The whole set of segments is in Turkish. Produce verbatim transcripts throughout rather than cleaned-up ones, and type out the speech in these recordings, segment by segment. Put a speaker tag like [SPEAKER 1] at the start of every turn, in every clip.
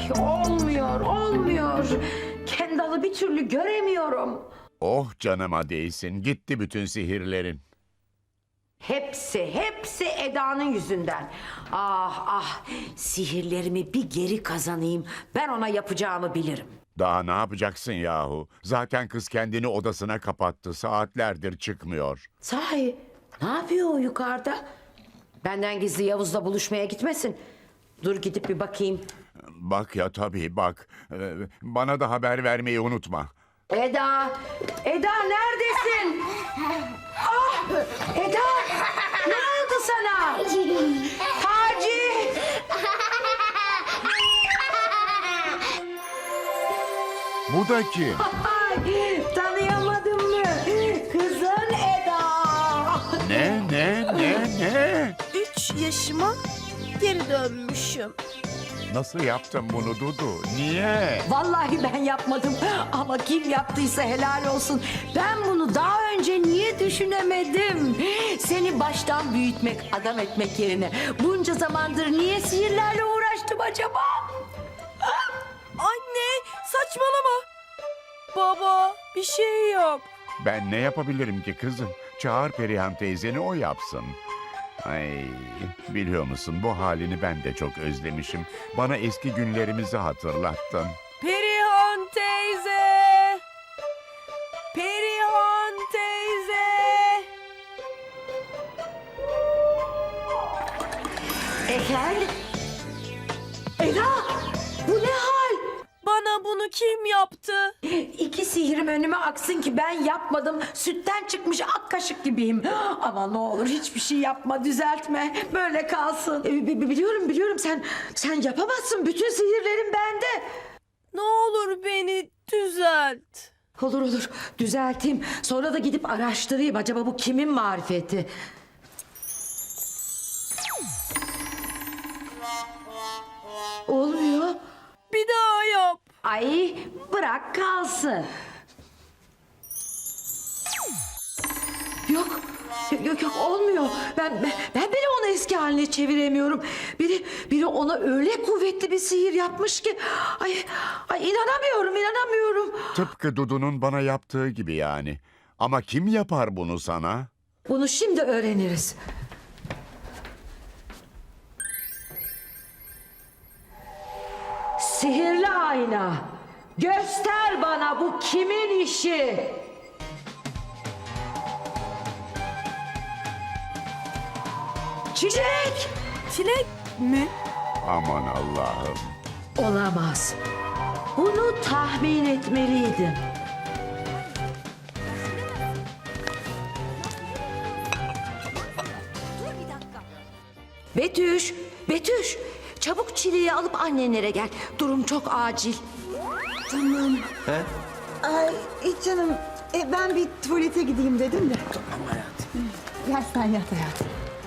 [SPEAKER 1] olmuyor, olmuyor. Kendall'ı bir türlü göremiyorum.
[SPEAKER 2] Oh canıma değsin, gitti bütün sihirlerin.
[SPEAKER 1] Hepsi, hepsi Eda'nın yüzünden. Ah ah, sihirlerimi bir geri kazanayım. Ben ona yapacağımı bilirim.
[SPEAKER 2] Daha ne yapacaksın yahu? Zaten kız kendini odasına kapattı, saatlerdir çıkmıyor.
[SPEAKER 1] Sahi, ne yapıyor o yukarıda? Benden gizli Yavuz'la buluşmaya gitmesin. Dur gidip bir bakayım.
[SPEAKER 2] Bak ya tabii bak, Ee, bana da haber vermeyi unutma.
[SPEAKER 1] Eda, Eda neredesin? Ah, Eda, ne oldu sana? Taci!
[SPEAKER 2] Bu da kim?
[SPEAKER 1] Ay, tanıyamadın mı? Kızın Eda.
[SPEAKER 2] Ne, ne, ne, ne?
[SPEAKER 3] Üç yaşıma geri dönmüşüm.
[SPEAKER 2] Nasıl yaptın bunu Dudu? Niye?
[SPEAKER 1] Vallahi ben yapmadım ama kim yaptıysa helal olsun. Ben bunu daha önce niye düşünemedim? Seni baştan büyütmek, adam etmek yerine bunca zamandır niye sihirlerle uğraştım acaba?
[SPEAKER 3] Anne saçmalama. Baba bir şey yap.
[SPEAKER 2] Ben ne yapabilirim ki kızım? Çağır Perihan teyzeni, o yapsın. Ay, biliyor musun bu halini ben de çok özlemişim. Bana eski günlerimizi hatırlattın.
[SPEAKER 3] Perihan teyze. Perihan teyze.
[SPEAKER 1] Efendim? Eda, bu ne hal?
[SPEAKER 3] Bana bunu kim yaptı?
[SPEAKER 1] İki sihrim önüme aksın ki ben yapmadım. Sütten çıkmış ak kaşık gibiyim. Ama ne olur hiçbir şey yapma, düzeltme. Böyle kalsın. Ee, bi- bi- biliyorum biliyorum sen sen yapamazsın. Bütün sihirlerin bende.
[SPEAKER 3] Ne olur beni düzelt.
[SPEAKER 1] Olur olur düzelteyim. Sonra da gidip araştırayım. Acaba bu kimin marifeti? Olmuyor.
[SPEAKER 3] Bir daha yap.
[SPEAKER 1] Ay bırak kalsın. Yok. Yok yok olmuyor. Ben, ben ben bile onu eski haline çeviremiyorum. Biri biri ona öyle kuvvetli bir sihir yapmış ki ay ay inanamıyorum, inanamıyorum.
[SPEAKER 2] Tıpkı Dudu'nun bana yaptığı gibi yani. Ama kim yapar bunu sana?
[SPEAKER 1] Bunu şimdi öğreniriz. Sihirli ayna. Göster bana bu kimin işi? Çilek!
[SPEAKER 3] Çilek mi?
[SPEAKER 2] Aman Allah'ım.
[SPEAKER 1] Olamaz. Bunu tahmin etmeliydim. Betüş, Betüş. Çabuk çileği alıp annenlere gel. Durum çok acil.
[SPEAKER 4] Tamam.
[SPEAKER 5] He?
[SPEAKER 4] Ay hiç canım. E, ben bir tuvalete gideyim dedim de.
[SPEAKER 5] Tamam hayatım.
[SPEAKER 4] Gel sen yat hayatım.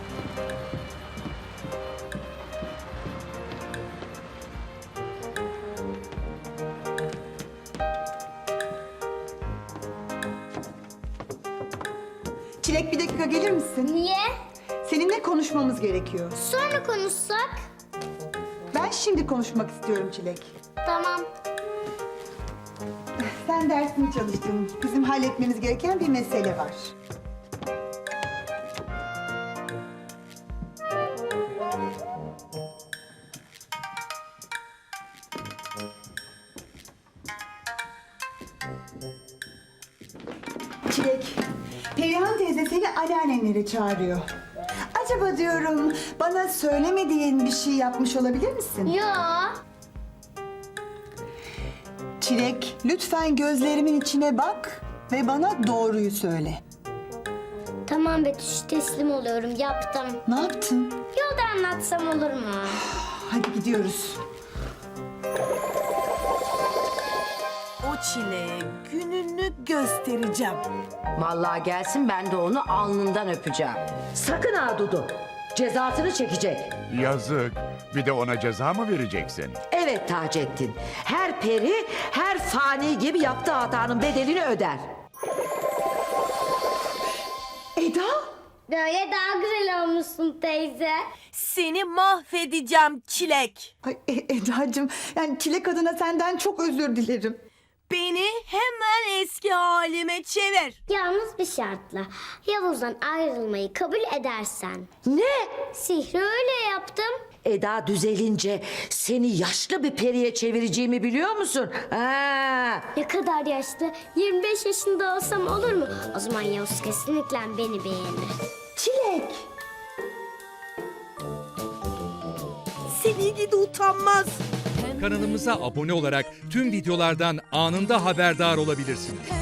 [SPEAKER 4] Çilek bir dakika gelir misin?
[SPEAKER 6] Niye?
[SPEAKER 4] Seninle konuşmamız gerekiyor.
[SPEAKER 6] Sonra konuşsak?
[SPEAKER 4] Ben şimdi konuşmak istiyorum Çilek.
[SPEAKER 6] Tamam.
[SPEAKER 4] Sen dersini çalıştın. Bizim halletmemiz gereken bir mesele var. Çilek, Perihan teyze seni anneannenlere çağırıyor. Acaba diyorum bana söylemediğin bir şey yapmış olabilir misin?
[SPEAKER 6] Yo.
[SPEAKER 4] Çilek, lütfen gözlerimin içine bak ve bana doğruyu söyle.
[SPEAKER 6] Tamam Betüş, teslim oluyorum. Yaptım.
[SPEAKER 4] Ne yaptın?
[SPEAKER 6] Yolda anlatsam olur mu?
[SPEAKER 4] Hadi gidiyoruz.
[SPEAKER 3] O çileğe gününü göstereceğim.
[SPEAKER 1] Vallahi gelsin ben de onu alnından öpeceğim. Sakın ha Dudu. Cezasını çekecek.
[SPEAKER 2] Yazık. Bir de ona ceza mı vereceksin?
[SPEAKER 1] Evet Taceddin. Her peri, her fani gibi yaptığı hatanın bedelini öder. Eda,
[SPEAKER 6] Böyle daha güzel olmuşsun teyze.
[SPEAKER 3] Seni mahvedeceğim Çilek.
[SPEAKER 4] Ay E- Eda'cığım, yani Çilek adına senden çok özür dilerim.
[SPEAKER 3] Beni hemen eski halime çevir.
[SPEAKER 6] Yalnız bir şartla. Yavuz'dan ayrılmayı kabul edersen.
[SPEAKER 1] Ne?
[SPEAKER 6] Sihri öyle yaptım.
[SPEAKER 1] Eda düzelince seni yaşlı bir periye çevireceğimi biliyor musun? Ha.
[SPEAKER 6] Ne kadar yaşlı? yirmi beş yaşında olsam olur mu? O zaman Yavuz kesinlikle beni beğenir.
[SPEAKER 1] Çilek.
[SPEAKER 3] Seni gidi utanmaz.
[SPEAKER 5] Kanalımıza abone olarak tüm videolardan anında haberdar olabilirsiniz.